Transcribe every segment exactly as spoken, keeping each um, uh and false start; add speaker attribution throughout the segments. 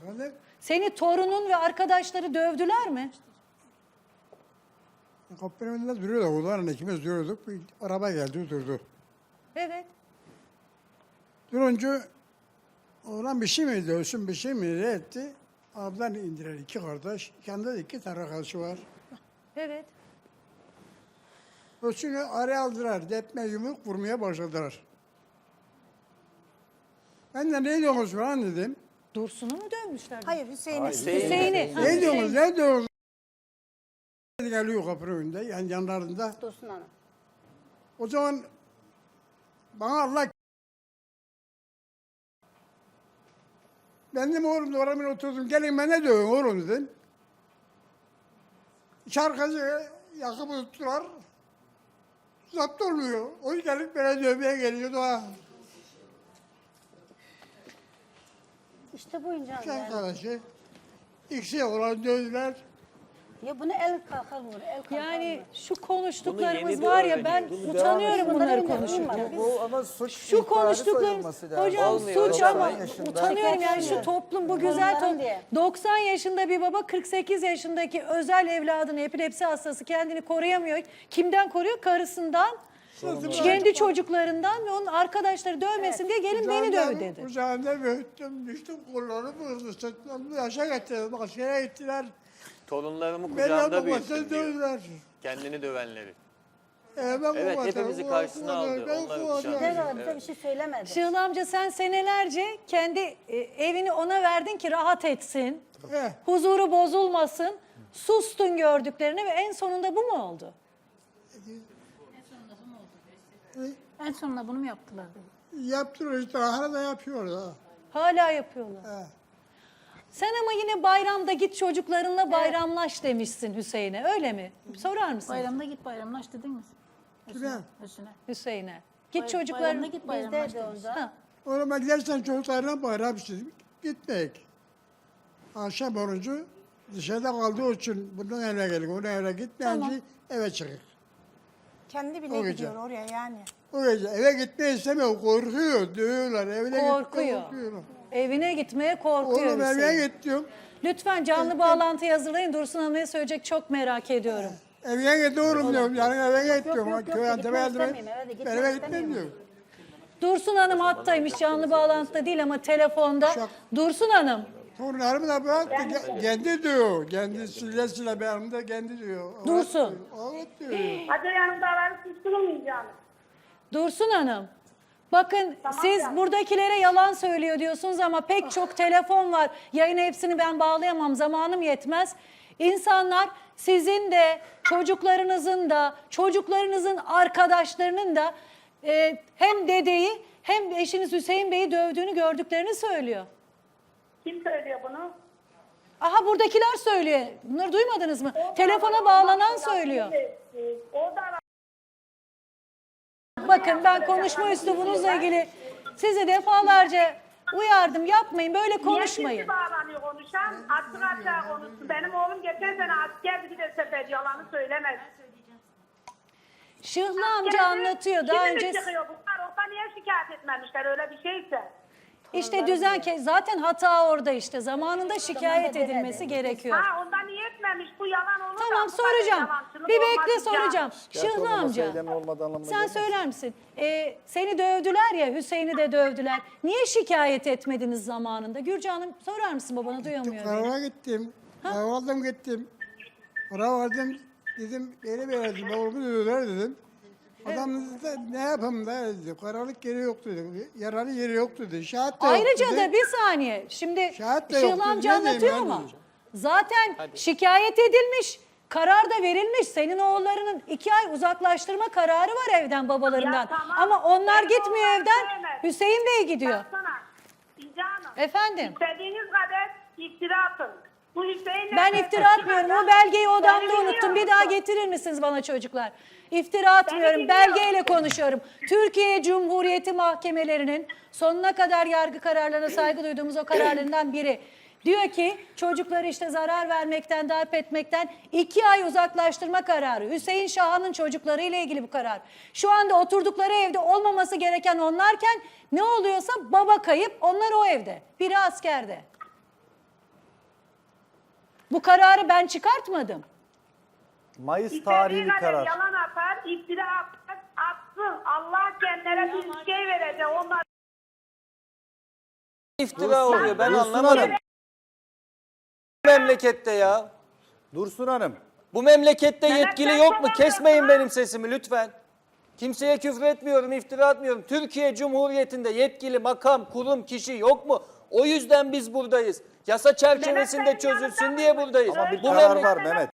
Speaker 1: Efendim?
Speaker 2: Seni torunun ve arkadaşları dövdüler mi?
Speaker 1: Kapının önünde duruyordu. Oğlanla ikimiz duruyorduk. Bir araba geldi durdu.
Speaker 2: Evet.
Speaker 1: Durunca oğlan bir şey mi dövsün, bir şey mi ne etti? Ablan indiler iki kardeş. Yanında da iki tane arkadaşı var.
Speaker 2: Evet.
Speaker 1: Ölçünü araya aldılar. Depme yumruk vurmaya başladılar. Ben de ne diyorsunuz falan dedim.
Speaker 2: Dursun'u mu dövmüşler?
Speaker 3: Hayır Hüseyin'i.
Speaker 2: Hüseyin'i. Ha,
Speaker 1: Ne diyorsunuz,
Speaker 2: Hüseyin.
Speaker 1: ne diyorsunuz? Geliyor kapının önünde, yani yanlarında.
Speaker 3: Dursun Hanım.
Speaker 1: O zaman bana Allah... Ben de oğlum da oramın oturdum. Gelin ben ne diyorum oğlum dedim. İki arkadaşı yakıp tuttular. Zapt olmuyor. O gelip bana dövmeye geliyordu ha.
Speaker 3: İşte bu incan
Speaker 1: İki
Speaker 3: yani.
Speaker 1: arkadaşı. İkisi olan dövdüler.
Speaker 3: Ya bunu el kalkar vur, el kalkar
Speaker 2: Yani
Speaker 3: vur.
Speaker 2: şu konuştuklarımız
Speaker 4: Bunu yeni
Speaker 2: var ya
Speaker 4: bir
Speaker 2: ben
Speaker 4: öğreniyoruz.
Speaker 5: Bunu
Speaker 2: utanıyorum
Speaker 5: devam
Speaker 2: bunları
Speaker 3: etsin.
Speaker 2: konuşurken.
Speaker 3: Biz-
Speaker 5: Bu ama suç
Speaker 2: Şu
Speaker 5: ihbarı
Speaker 2: konuştuklarımız,
Speaker 5: sayılması lazım.
Speaker 2: hocam
Speaker 4: Olmuyor,
Speaker 2: suç
Speaker 4: doksan
Speaker 2: ama
Speaker 5: yaşında.
Speaker 2: utanıyorum yani şu toplum bu güzel
Speaker 3: Torunlarım
Speaker 2: toplum.
Speaker 3: diye.
Speaker 2: doksan yaşında bir baba kırk sekiz yaşındaki özel evladını epilepsi hastası kendini koruyamıyor. Kimden koruyor? Karısından, kendi çocuklarından ve onun arkadaşları dövmesin diye gelin beni döv dedi.
Speaker 1: Kucağında büyüttüm, düştüm, kolları vurdu, sırtlarını yaşa getirdim, askere gittiler.
Speaker 4: Torunlarımı
Speaker 1: Beni
Speaker 4: kucağımda
Speaker 1: babasını
Speaker 4: büyüttüm diyor.
Speaker 1: dövdüler.
Speaker 4: Kendini dövenleri.
Speaker 1: Ee, ben
Speaker 4: Evet,
Speaker 1: babasını,
Speaker 4: hepimizi
Speaker 1: o-
Speaker 4: karşısına
Speaker 1: o-
Speaker 4: aldı,
Speaker 1: ben
Speaker 4: onları
Speaker 1: kovaladım.
Speaker 4: kuşattı.
Speaker 3: Devre bize bir şey söylemedi.
Speaker 2: Şıhlı amca sen senelerce kendi e, evini ona verdin ki rahat etsin,
Speaker 1: Eh,
Speaker 2: huzuru bozulmasın, sustun gördüklerine ve en sonunda bu mu oldu?
Speaker 6: En sonunda bunu mu yaptılar?
Speaker 1: yaptırıyor işte, hala da yapıyor da.
Speaker 2: Hala yapıyorlar.
Speaker 1: Eh.
Speaker 2: Sen ama yine bayramda git çocuklarınla bayramlaş demişsin Hüseyin'e öyle mi? Sorar mısın
Speaker 6: Bayramda git bayramlaş dedin mi?
Speaker 1: Kime?
Speaker 6: Hüsnü'ne.
Speaker 2: Hüseyin'e? Git
Speaker 6: Bay-
Speaker 2: çocukların...
Speaker 6: Bayramda git bayramlaş
Speaker 3: Bizde de
Speaker 6: demiş.
Speaker 3: onda.
Speaker 2: Ha,
Speaker 1: Oğlum ben gidersen çocuklarına bayram istedim, gitmek. Akşam orucu dışarıda kaldığı için bunun evine geldik, onun evine gitmeyince eve çıkık.
Speaker 3: Kendi
Speaker 1: O
Speaker 3: bile
Speaker 1: gece.
Speaker 3: gidiyor oraya yani.
Speaker 1: O gece eve gitmeyi istemiyor, korkuyor, dövüyorlar, evine gitmeye
Speaker 2: korkuyor.
Speaker 1: korkuyorlar.
Speaker 2: Evine gitmeye korkuyor
Speaker 1: Oğlum evine
Speaker 2: Hüseyin.
Speaker 1: git diyorum.
Speaker 2: Lütfen canlı bağlantı hazırlayın. Dursun Hanım ne söyleyecek çok merak ediyorum.
Speaker 1: Evine gidiyorum diyorum, yarın eve git diyorum.
Speaker 3: yok, yok,
Speaker 1: Köy
Speaker 3: yok,
Speaker 1: Antep'e yardım et.
Speaker 3: gitmek istemiyorum, eve de
Speaker 1: Ben
Speaker 3: gitmek
Speaker 1: eve gitmem
Speaker 3: istemiyorum.
Speaker 1: diyor.
Speaker 2: Dursun Hanım hattaymış canlı bağlantıda değil ama telefonda.
Speaker 1: Şak.
Speaker 2: Dursun Hanım.
Speaker 1: Torunlarımı da bıraktı, ke- kendi diyor. Kendi sile sile benim de kendi diyor. Evet
Speaker 2: Dursun.
Speaker 1: diyor, Evet diyor.
Speaker 7: Hadi yanımda aranı susturmayacağım.
Speaker 2: Dursun Hanım. Bakın siz
Speaker 7: canım.
Speaker 2: buradakilere yalan söylüyor diyorsunuz ama pek çok telefon var. Yayın hepsini ben bağlayamam, zamanım yetmez. İnsanlar sizin de çocuklarınızın da çocuklarınızın arkadaşlarının da e, hem dedeyi hem eşiniz Hüseyin Bey'i dövdüğünü gördüklerini söylüyor.
Speaker 7: Kim söylüyor bunu?
Speaker 2: Aha buradakiler söylüyor. Bunları duymadınız mı? Telefona bağlanan söylüyor.
Speaker 7: O da
Speaker 2: Bakın ben konuşma üslubunuzla ilgili sizi defalarca uyardım. Yapmayın, böyle konuşmayın.
Speaker 7: Niye bağlanıyor konuşan? Açık açığa konuştu. Benim oğlum geçen sene askerdi, bir de sefer yalanı söylemez.
Speaker 2: Şıhlı amca anlatıyor daha
Speaker 7: Şimdi
Speaker 2: önce.
Speaker 7: mi çıkıyor bunlar? Orada niye şikayet etmemişler öyle bir şeyse?
Speaker 2: İşte düzen ke- zaten hata orada işte. Zamanında şikayet
Speaker 3: demedi.
Speaker 2: edilmesi gerekiyor.
Speaker 7: Ha ondan niye etmemiş? Bu yalan olur da
Speaker 2: Tamam
Speaker 7: bu kadar
Speaker 2: soracağım.
Speaker 7: yalancılık
Speaker 2: Bir
Speaker 7: olmaz
Speaker 2: bekle
Speaker 7: ya.
Speaker 2: soracağım. Şıhlı amca.
Speaker 5: Eylemi olmadığı anlamına
Speaker 2: Sen
Speaker 5: gelmez.
Speaker 2: söyler misin? Ee, seni dövdüler ya, Hüseyin'i de dövdüler. Niye şikayet etmediniz zamanında? Gürcan Hanım sorar mısın babana duyamıyor beni.
Speaker 1: Karara gittim. Kahvaldım gittim. Para vardım. Dedim beni verdim. Oğlumu dövdüler dedim. Adam dedi de, ne yapayım da dedi. Karalık yeri yok dedi. Yaralı yeri yok dedi. Şahit de yok
Speaker 2: Ayrıca
Speaker 1: dedi.
Speaker 2: da bir saniye. Şimdi
Speaker 1: Şahit de yok
Speaker 2: Şıhlı
Speaker 1: dedi.
Speaker 2: amca
Speaker 1: Ne diyeyim
Speaker 2: anlatıyor
Speaker 1: ben
Speaker 2: ama
Speaker 1: diyeceğim.
Speaker 2: zaten şikayet edilmiş. Karar da verilmiş. Senin oğullarının iki ay uzaklaştırma kararı var evden babalarından.
Speaker 7: Ya tamam,
Speaker 2: Ama onlar
Speaker 7: benim
Speaker 2: gitmiyor
Speaker 7: oğullarım
Speaker 2: evden.
Speaker 7: sevmez.
Speaker 2: Hüseyin Bey gidiyor.
Speaker 7: Baksana. İnce Hanım.
Speaker 2: Efendim?
Speaker 7: İstediğiniz kadar iftira atın. Bu Hüseyin'le...
Speaker 2: Ben iftira atmıyorum. O belgeyi odamda
Speaker 7: Beni
Speaker 2: unuttum. Bir
Speaker 7: biliyor
Speaker 2: daha
Speaker 7: musun?
Speaker 2: getirir misiniz bana çocuklar? İftira atmıyorum.
Speaker 7: biliyor
Speaker 2: Belgeyle
Speaker 7: musun?
Speaker 2: konuşuyorum. Türkiye Cumhuriyeti mahkemelerinin sonuna kadar yargı kararlarına saygı duyduğumuz o kararlarından biri. Diyor ki çocukları işte zarar vermekten, darp etmekten iki ay uzaklaştırma kararı. Hüseyin Şahan'ın çocukları ile ilgili bu karar. Şu anda oturdukları evde olmaması gereken onlarken ne oluyorsa baba kayıp, onlar o evde. Biri askerde. Bu kararı ben çıkartmadım.
Speaker 5: Mayıs
Speaker 7: İstediği
Speaker 5: tarihi bir
Speaker 7: kadar
Speaker 5: karar.
Speaker 7: yalan atar, iftira atar, atsın. Allah kendilere bir şey verecek. Onlar
Speaker 8: İftira oluyor. Ben
Speaker 5: Dursun
Speaker 8: anlamadım.
Speaker 5: Hanım.
Speaker 8: Bu memlekette ya.
Speaker 5: Dursun Hanım.
Speaker 8: Bu memlekette
Speaker 7: Neden
Speaker 8: yetkili
Speaker 7: sen
Speaker 8: yok mu?
Speaker 7: dolanıyorsun
Speaker 8: Kesmeyin
Speaker 7: ha?
Speaker 8: benim sesimi lütfen. Kimseye küfür etmiyorum, iftira atmıyorum. Türkiye Cumhuriyeti'nde yetkili makam, kurum, kişi yok mu? O yüzden biz buradayız. Yasa çerçevesinde
Speaker 7: Mehmet, sen
Speaker 8: çözülsün
Speaker 7: yanında
Speaker 8: diye
Speaker 7: mıydın?
Speaker 8: buradayız.
Speaker 5: Ama bir
Speaker 8: Bu
Speaker 5: karar
Speaker 8: memleket-
Speaker 5: var Mehmet.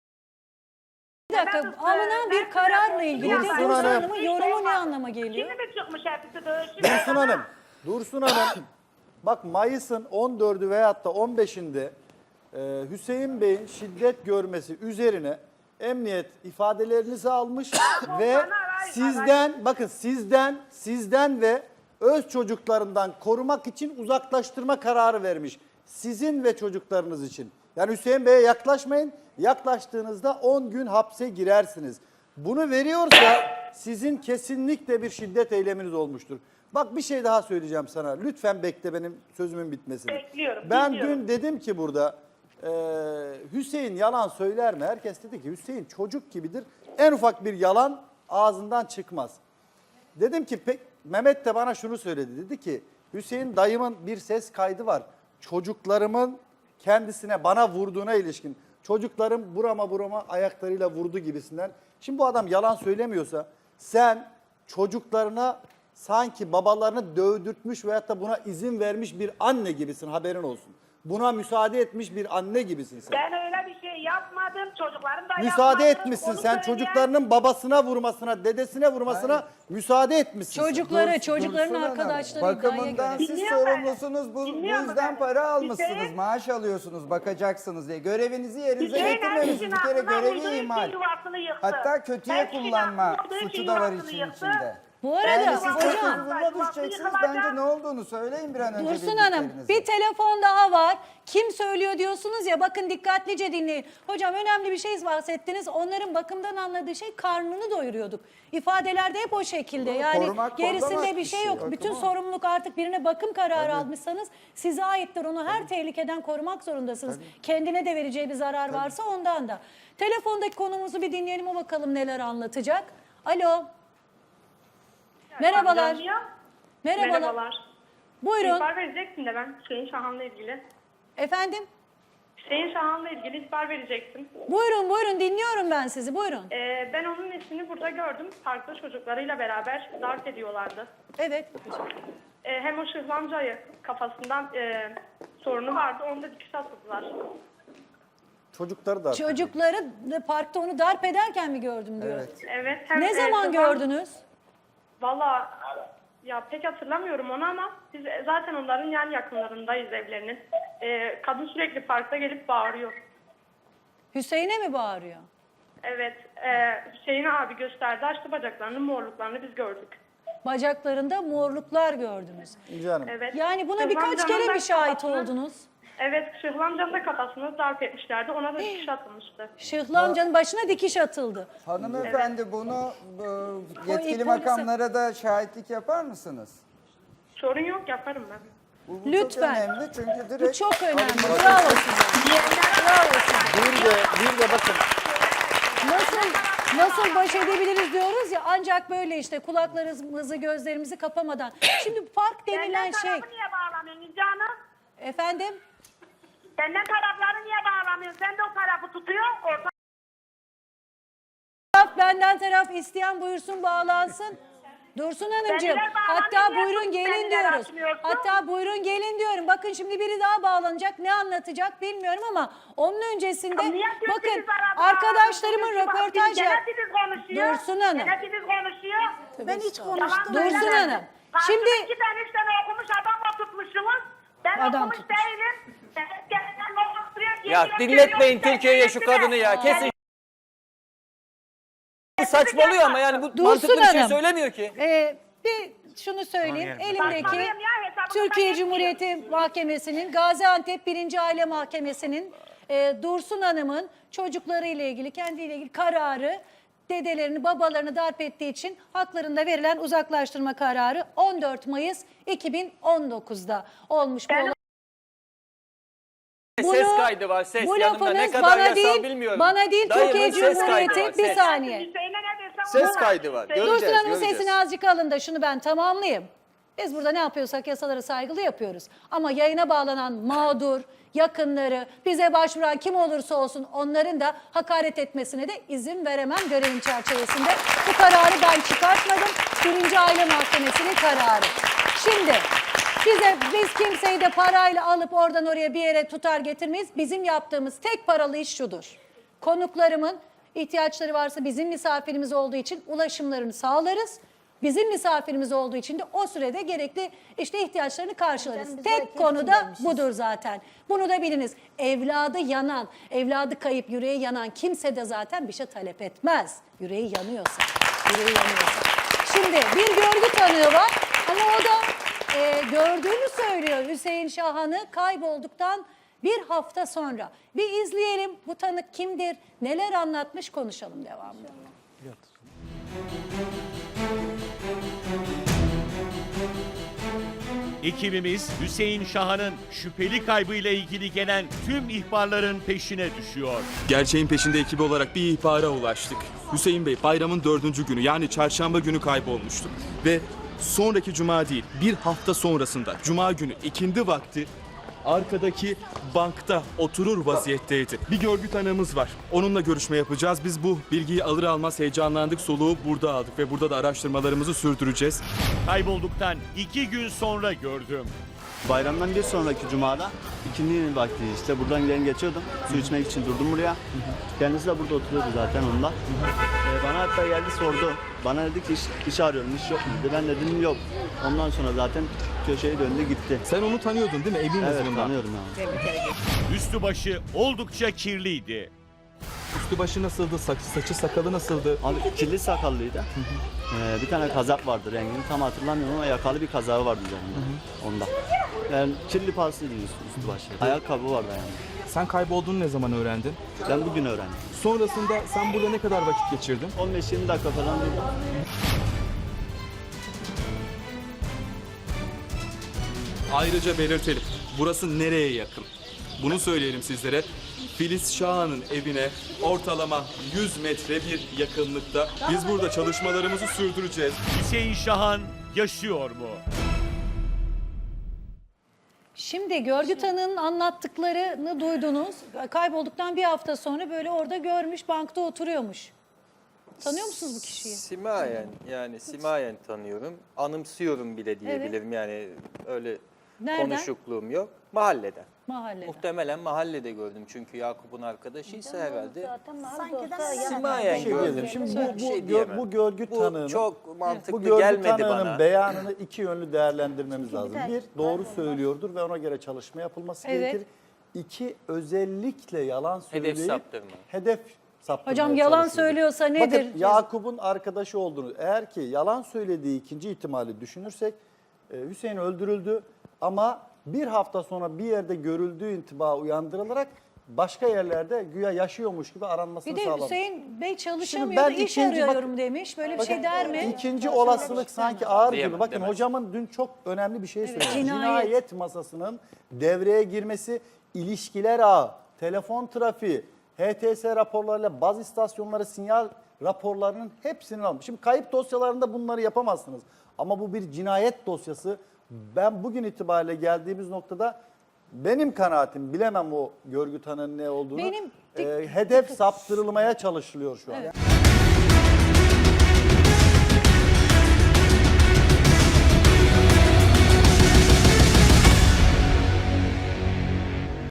Speaker 2: Bir dakika,
Speaker 7: Ben-
Speaker 2: alınan bir
Speaker 7: ben-
Speaker 2: kararla ilgili de
Speaker 5: Dursun
Speaker 2: Dursun
Speaker 5: Hanım.
Speaker 2: Hanım'ın yorumu ne anlama geliyor?
Speaker 7: Şimdi mi çıkmış hepsi dövüşü?
Speaker 5: Dursun Hanım. Dursun Hanım. Bak Mayıs'ın on dördü veyahut da on beşinde e, Hüseyin Bey'in şiddet görmesi üzerine emniyet ifadelerinizi almış ve
Speaker 7: Bana aray-
Speaker 5: sizden bakın sizden sizden ve öz çocuklarından korumak için uzaklaştırma kararı vermiş. Sizin ve çocuklarınız için. Yani Hüseyin Bey'e yaklaşmayın. Yaklaştığınızda on gün hapse girersiniz. Bunu veriyorsa sizin kesinlikle bir şiddet eyleminiz olmuştur. Bak bir şey daha söyleyeceğim sana. Lütfen bekle benim sözümün bitmesini.
Speaker 7: Bekliyorum,
Speaker 5: Ben
Speaker 7: dinliyorum.
Speaker 5: dün dedim ki burada e, Hüseyin yalan söyler mi? Herkes dedi ki Hüseyin çocuk gibidir. En ufak bir yalan ağzından çıkmaz. Dedim ki pek Mehmet de bana şunu söyledi. Dedi ki Hüseyin dayımın bir ses kaydı var. Çocuklarımın kendisine bana vurduğuna ilişkin. Çocuklarım burama burama ayaklarıyla vurdu gibisinden. Şimdi bu adam yalan söylemiyorsa sen çocuklarına sanki babalarını dövdürtmüş veyahut da buna izin vermiş bir anne gibisin, haberin olsun. Buna müsaade etmiş bir anne gibisin sen.
Speaker 7: Ben öyle bir şey yapmadım. Çocuklarım da
Speaker 5: Müsaade
Speaker 7: yapmadı.
Speaker 5: etmişsin
Speaker 7: Onu
Speaker 5: sen
Speaker 7: söyleyen-
Speaker 5: çocuklarının babasına vurmasına, dedesine vurmasına müsaade etmişsin. sen.
Speaker 2: Çocukları,
Speaker 9: Dur-
Speaker 2: çocukların
Speaker 9: Dursun Hanım,
Speaker 2: arkadaşları iddiaya
Speaker 9: bakımından
Speaker 2: göre.
Speaker 9: siz
Speaker 7: Dinliyor beni.
Speaker 9: sorumlusunuz. Bu, bu
Speaker 7: Dinliyor
Speaker 9: yüzden
Speaker 7: beni.
Speaker 9: para almışsınız.
Speaker 7: Hüseyin-
Speaker 9: Maaş alıyorsunuz, bakacaksınız diye. Görevinizi yerinize
Speaker 7: Hüseyin
Speaker 9: getirmemişsiniz.
Speaker 7: Erbil'in
Speaker 9: Bir kere
Speaker 7: aklına
Speaker 9: görevi
Speaker 7: uyduğu için
Speaker 9: ihmal.
Speaker 7: yuvasını yıktı.
Speaker 9: Hatta kötüye
Speaker 7: Erbil'in
Speaker 9: kullanma
Speaker 7: aklına uyduğu
Speaker 9: suçu
Speaker 7: için
Speaker 9: da var
Speaker 7: yuvasını
Speaker 9: için
Speaker 7: yıktı.
Speaker 9: içinde.
Speaker 2: Bu arada
Speaker 9: Yani siz tek
Speaker 2: hocam,
Speaker 9: huzuruna düşeceksiniz. Bence ne olduğunu söyleyin bir an önce
Speaker 2: Dursun Hanım
Speaker 9: bildiklerinizi.
Speaker 2: bir telefon daha var. Kim söylüyor diyorsunuz ya, bakın dikkatlice dinleyin. Hocam önemli bir şey bahsettiniz. Onların bakımdan anladığı şey karnını doyuruyorduk. İfadelerde hep o şekilde.
Speaker 9: Doğru,
Speaker 2: Yani
Speaker 9: korumak,
Speaker 2: gerisinde
Speaker 9: kollamak
Speaker 2: bir şey
Speaker 9: işi,
Speaker 2: yok.
Speaker 9: bakım
Speaker 2: Bütün
Speaker 9: o.
Speaker 2: sorumluluk artık birine bakım kararı almışsanız size aittir. Onu her tehlikeden korumak zorundasınız. Kendine de vereceği bir zarar varsa ondan da. Telefondaki konumuzu bir dinleyelim, o bakalım neler anlatacak. Alo. Merhabalar.
Speaker 7: Dinliyor.
Speaker 2: Merhabalar.
Speaker 7: Merhabalar.
Speaker 2: Buyurun.
Speaker 7: İhbar vereceksin de ben Hüseyin Şahan'la ilgili.
Speaker 2: Efendim?
Speaker 7: Hüseyin Şahan'la ilgili ihbar verecektim.
Speaker 2: Buyurun buyurun dinliyorum ben sizi, buyurun.
Speaker 7: Ee, ben onun eşini burada gördüm. Parkta çocuklarıyla beraber darp ediyorlardı.
Speaker 2: Evet.
Speaker 7: Ee, hem o şıhlamcayı kafasından e, sorunu vardı. Onu da dikiş attılar.
Speaker 5: Çocukları da.
Speaker 2: Çocukları da parkta onu darp ederken mi gördüm diyor.
Speaker 9: Evet.
Speaker 7: Evet. Hem,
Speaker 2: Ne
Speaker 7: e,
Speaker 2: zaman
Speaker 7: şıhlam-
Speaker 2: gördünüz?
Speaker 7: Valla ya pek hatırlamıyorum onu ama biz zaten onların yan yakınlarındayız evlerinin. Ee, kadın sürekli parkta gelip bağırıyor.
Speaker 2: Hüseyin'e mi bağırıyor?
Speaker 7: Evet. E, Hüseyin abi gösterdi. Açtı bacaklarını, morluklarını biz gördük.
Speaker 2: Bacaklarında morluklar gördünüz.
Speaker 5: İnci Hanım.
Speaker 7: Evet.
Speaker 2: Yani buna
Speaker 7: Şıhlam
Speaker 2: birkaç
Speaker 7: Can'ın
Speaker 2: kere
Speaker 7: da
Speaker 2: mi şahit
Speaker 7: kafasını-
Speaker 2: oldunuz?
Speaker 7: Evet. Şıhlam Can'ın da kafasını darp etmişlerdi. Ona da dikiş atılmıştı.
Speaker 2: Şıhlı amcanın başına dikiş atıldı.
Speaker 9: Hanımefendi bunu bu, yetkili
Speaker 2: polise-
Speaker 9: makamlara da şahitlik yapar mısınız?
Speaker 7: Sorun yok, yaparım ben.
Speaker 9: Bu, bu
Speaker 2: Lütfen.
Speaker 9: çok önemli çünkü
Speaker 2: Bu
Speaker 9: direkt
Speaker 2: çok önemli.
Speaker 9: alınması-
Speaker 2: Bravo size. Bravo size.
Speaker 5: Bir de, bir de bakın
Speaker 2: Nasıl nasıl baş edebiliriz diyoruz ya, ancak böyle işte kulaklarımızı gözlerimizi kapamadan. Şimdi park denilen
Speaker 7: Senden
Speaker 2: şey,
Speaker 7: tarafı niye bağlamıyorsun İnci Hanım?
Speaker 2: efendim,
Speaker 7: Senden tarafları niye bağlamıyorsun? Sen de o tarafı tutuyor. Orta...
Speaker 2: taraf benden taraf isteyen buyursun bağlansın. Dursun Hanımcığım,
Speaker 7: Kendiler bağlanıyor,
Speaker 2: hatta
Speaker 7: niye
Speaker 2: buyurun gelin
Speaker 7: kendileri
Speaker 2: diyoruz.
Speaker 7: açmıyorsun?
Speaker 2: Hatta buyurun gelin diyorum. Bakın şimdi biri daha bağlanacak. Ne anlatacak bilmiyorum ama onun öncesinde
Speaker 7: Niye
Speaker 2: bakın
Speaker 7: sesiniz arada?
Speaker 2: arkadaşlarımın
Speaker 7: Bak,
Speaker 2: röportaj
Speaker 7: biz-
Speaker 2: yap.
Speaker 7: Gene siz konuşuyor.
Speaker 2: Dursun Hanım.
Speaker 7: Gene siz konuşuyor.
Speaker 3: Ben hiç
Speaker 7: Yalan
Speaker 3: konuştum.
Speaker 2: Dursun
Speaker 7: söyleme.
Speaker 2: Hanım,
Speaker 7: Karşıda
Speaker 2: şimdi-
Speaker 7: iki tane üç tane okumuş adam oturtmuşsunuz. Ben
Speaker 2: Adam
Speaker 7: okumuş
Speaker 2: tutmuş.
Speaker 7: değilim. Ben kendimden oturuyor.
Speaker 8: Ya
Speaker 7: yemin
Speaker 8: dinletmeyin
Speaker 7: ediyorum,
Speaker 8: Türkiye'ye şu
Speaker 7: kendisine.
Speaker 8: kadını ya. Kesin
Speaker 7: Kendisi
Speaker 8: saçmalıyor ama yani bu
Speaker 2: Dursun
Speaker 8: mantıklı bir şey
Speaker 2: Hanım.
Speaker 8: söylemiyor ki.
Speaker 2: Ee, bir şunu söyleyeyim. Elimdeki
Speaker 7: Saçmalıyorum ya, hesabını
Speaker 2: Türkiye
Speaker 7: ben
Speaker 2: Cumhuriyeti Mahkemesi'nin, Gaziantep birinci Aile Mahkemesi'nin e, Dursun Hanım'ın çocuklarıyla ilgili, kendiyle ilgili kararı, dedelerini, babalarını darp ettiği için haklarında verilen uzaklaştırma kararı on dört Mayıs iki bin on dokuz'da olmuş bu
Speaker 7: Ben-
Speaker 2: olay.
Speaker 8: ses kaydı var, ses.
Speaker 2: Bu
Speaker 8: Yanımda ne
Speaker 2: lafınız
Speaker 8: kadar
Speaker 2: bana
Speaker 8: yasal
Speaker 2: değil,
Speaker 8: bilmiyorum.
Speaker 2: bana değil
Speaker 8: Dayımın
Speaker 2: Türkiye
Speaker 8: ses kaydı var,
Speaker 2: Cumhuriyeti. Bir
Speaker 8: ses.
Speaker 2: saniye.
Speaker 7: Hüseyin'e ne desem
Speaker 8: Ses
Speaker 7: ona.
Speaker 8: kaydı var.
Speaker 7: Hüseyin-
Speaker 8: Göreceğiz,
Speaker 2: Dursun Hanım'ın
Speaker 8: göreceğiz.
Speaker 2: sesini azıcık alın da şunu ben tamamlayayım. Biz burada ne yapıyorsak yasalara saygılı yapıyoruz. Ama yayına bağlanan mağdur, yakınları, bize başvuran kim olursa olsun onların da hakaret etmesine de izin veremem görevim çerçevesinde. Bu kararı ben çıkartmadım. Birinci Aile Mahkemesi'nin kararı. Şimdi size biz kimseyi de parayla alıp oradan oraya bir yere tutar getirmeyiz. Bizim yaptığımız tek paralı iş şudur. Konuklarımın ihtiyaçları varsa bizim misafirimiz olduğu için ulaşımlarını sağlarız. Bizim misafirimiz olduğu için de o sürede gerekli işte ihtiyaçlarını karşılarız.
Speaker 3: Canım, biz
Speaker 2: Tek
Speaker 3: belki
Speaker 2: konu da
Speaker 3: hepsindeymişiz.
Speaker 2: budur zaten. Bunu da biliniz. Evladı yanan, evladı kayıp, yüreği yanan kimse de zaten bir şey talep etmez. Yüreği yanıyorsa, yüreği yanıyorsa. Şimdi bir görgü tanığı var ama o da e, gördüğünü söylüyor Hüseyin Şahan'ı kaybolduktan bir hafta sonra. Bir izleyelim bu tanık kimdir, neler anlatmış konuşalım devamlı.
Speaker 10: Ekibimiz Hüseyin Şahan'ın şüpheli kaybıyla ilgili gelen tüm ihbarların peşine düşüyor.
Speaker 11: Gerçeğin peşinde ekibi olarak bir ihbara ulaştık. Hüseyin Bey bayramın dördüncü günü yani çarşamba günü kaybolmuştu. Ve sonraki cuma değil bir hafta sonrasında cuma günü ikindi vakti arkadaki bankta oturur vaziyetteydi. Bir görgü tanığımız var. Onunla görüşme yapacağız. Biz bu bilgiyi alır almaz heyecanlandık, soluğu burada aldık ve burada da araştırmalarımızı sürdüreceğiz.
Speaker 10: Kaybolduktan iki gün sonra gördüm.
Speaker 12: Bayramdan bir sonraki cumada ikindi vakti işte buradan gelen geçiyordum. Su içmek için durdum buraya. Kendisi de burada oturuyordu zaten onunla. Ee, bana hatta geldi sordu. Bana dedi ki iş, iş arıyorum, iş yok mu dedi. Ben de dedim yok. Ondan sonra zaten köşeye döndü gitti.
Speaker 11: Sen onu tanıyordun değil mi? Emin
Speaker 12: Evet
Speaker 11: misin bundan?
Speaker 12: tanıyorum yani.
Speaker 10: Üstü başı oldukça kirliydi.
Speaker 11: Üstü başı nasıldı? Saçı, saçı sakalı nasıldı?
Speaker 12: Abi kirli sakallıydı. Ee, bir tane kazak vardı, rengini tam hatırlamıyorum ama yakalı bir kazağı vardı üzerinde. Onda. Yani kirli paslıydı üstü, üstü başı. Ayakkabı vardı yani.
Speaker 11: Sen kaybolduğunu ne zaman öğrendin?
Speaker 12: Ben bugün öğrendim.
Speaker 11: Sonrasında sen burada ne kadar vakit geçirdin?
Speaker 12: on beş yirmi dakika falan durdum.
Speaker 11: Ayrıca belirtelim. Burası nereye yakın? Bunu söyleyelim sizlere. Filiz Şahan'ın evine ortalama yüz metre bir yakınlıkta. Biz burada çalışmalarımızı sürdüreceğiz.
Speaker 10: Hüseyin Şahan yaşıyor mu?
Speaker 2: Şimdi görgü tanığının anlattıklarını duydunuz. Kaybolduktan bir hafta sonra böyle orada görmüş, bankta oturuyormuş. Tanıyor musunuz bu kişiyi?
Speaker 8: Simayen yani simayen tanıyorum. Anımsıyorum bile diyebilirim yani öyle
Speaker 2: Nereden?
Speaker 8: konuşukluğum yok. Mahalleden.
Speaker 2: Mahallede.
Speaker 8: Muhtemelen mahallede gördüm çünkü Yakup'un arkadaşıysa herhalde.
Speaker 3: Zaten Sanki de
Speaker 8: Simayen
Speaker 5: şey
Speaker 8: gördüm.
Speaker 5: diyelim. Şimdi
Speaker 8: Bir
Speaker 5: bu, bu,
Speaker 8: şey
Speaker 5: gö-
Speaker 8: diyemem.
Speaker 5: bu görgü
Speaker 8: Bu
Speaker 5: tanığının
Speaker 8: çok mantıklı
Speaker 5: bu görgü
Speaker 8: gelmedi
Speaker 5: tanığının
Speaker 8: bana.
Speaker 5: beyanını iki yönlü değerlendirmemiz
Speaker 3: Çünkü
Speaker 5: lazım.
Speaker 3: bir
Speaker 5: Bir,
Speaker 3: de
Speaker 5: doğru
Speaker 3: kaybolmaz.
Speaker 5: söylüyordur ve ona göre çalışma yapılması
Speaker 2: Evet.
Speaker 5: gerekir. İki, özellikle yalan söyleyip
Speaker 8: saptırma.
Speaker 5: hedef saptırmaya
Speaker 2: Hocam yalan
Speaker 5: çalışıyor.
Speaker 2: söylüyorsa nedir?
Speaker 5: Bakın Yakup'un arkadaşı olduğunu, eğer ki yalan söylediği ikinci ihtimali düşünürsek e, Hüseyin öldürüldü ama bir hafta sonra bir yerde görüldüğü intiba uyandırılarak başka yerlerde güya yaşıyormuş gibi aranmasını
Speaker 2: Bir de
Speaker 5: sağlamış.
Speaker 2: Hüseyin Bey çalışamıyor
Speaker 5: Şimdi ben
Speaker 2: da iş
Speaker 5: ikinci-
Speaker 2: arıyorum demiş. Böyle bir şey der mi?
Speaker 5: İkinci olasılık sanki ağır gibi.
Speaker 8: Diyemem,
Speaker 5: Bakın
Speaker 8: demez.
Speaker 5: hocamın dün çok önemli bir şey söyledi.
Speaker 2: cinayet.
Speaker 5: Cinayet masasının devreye girmesi, ilişkiler ağı, telefon trafiği, H T S raporlarıyla baz istasyonları sinyal raporlarının hepsini almış. Şimdi kayıp dosyalarında bunları yapamazsınız. Ama bu bir cinayet dosyası. Ben bugün itibariyle geldiğimiz noktada benim kanaatim, bilemem o görgü tanığının ne olduğunu,
Speaker 2: Benim-
Speaker 5: e, hedef saptırılmaya çalışılıyor şu an.
Speaker 2: Evet.